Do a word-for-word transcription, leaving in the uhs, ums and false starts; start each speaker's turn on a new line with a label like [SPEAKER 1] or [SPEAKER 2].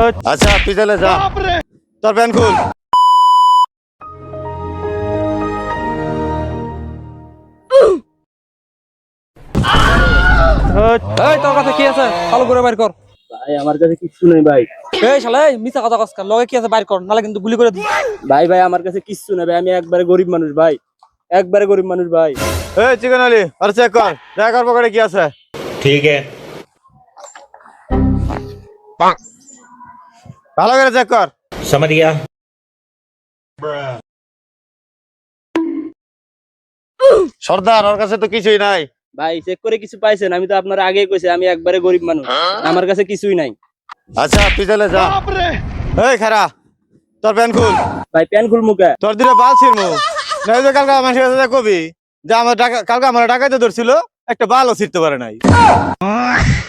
[SPEAKER 1] আচ্ছা তুই তাহলে যা, তোর প্যান খুল।
[SPEAKER 2] এই তোর কাছে কি আছে ভালো করে বাইর কর।
[SPEAKER 3] ভাই আমার কাছে কিছু নেই ভাই।
[SPEAKER 2] এই শালা এই মিছা কথা কস কেন? লগে কি আছে বাইর কর, নালে কিন্তু গুলি করে দিই।
[SPEAKER 3] ভাই ভাই আমার কাছে কিছু নেই ভাই, আমি একবারে গরিব মানুষ ভাই, একবারে গরিব মানুষ ভাই।
[SPEAKER 1] এই চিকেন আলী আর চেক কর, দেখ আর পকেটে কি আছে।
[SPEAKER 4] ठीक है।
[SPEAKER 1] ভালো করে চেক কর।
[SPEAKER 4] समझ गया।
[SPEAKER 1] সর্দার ওর কাছে তো কিছুই নাই।
[SPEAKER 3] ভাই চেক করে কিছু পাইছেন? আমি তো আপনার আগেই কইছি আমি একবারে গরিব মানুষ, আমার কাছে কিছুই নাই।
[SPEAKER 1] আচ্ছা তুই তাহলে যা। এই খারা, তোর প্যান খুল।
[SPEAKER 3] ভাই প্যান খুল মুখে।
[SPEAKER 1] তোর দিলে বাল ছিড়মু, নাই যে কালকে আমার কাছে কবি যে আমার টাকা কালকে আমার টাকাইতে ধরছিল, একটা বালও ছিড়তে পারে নাই।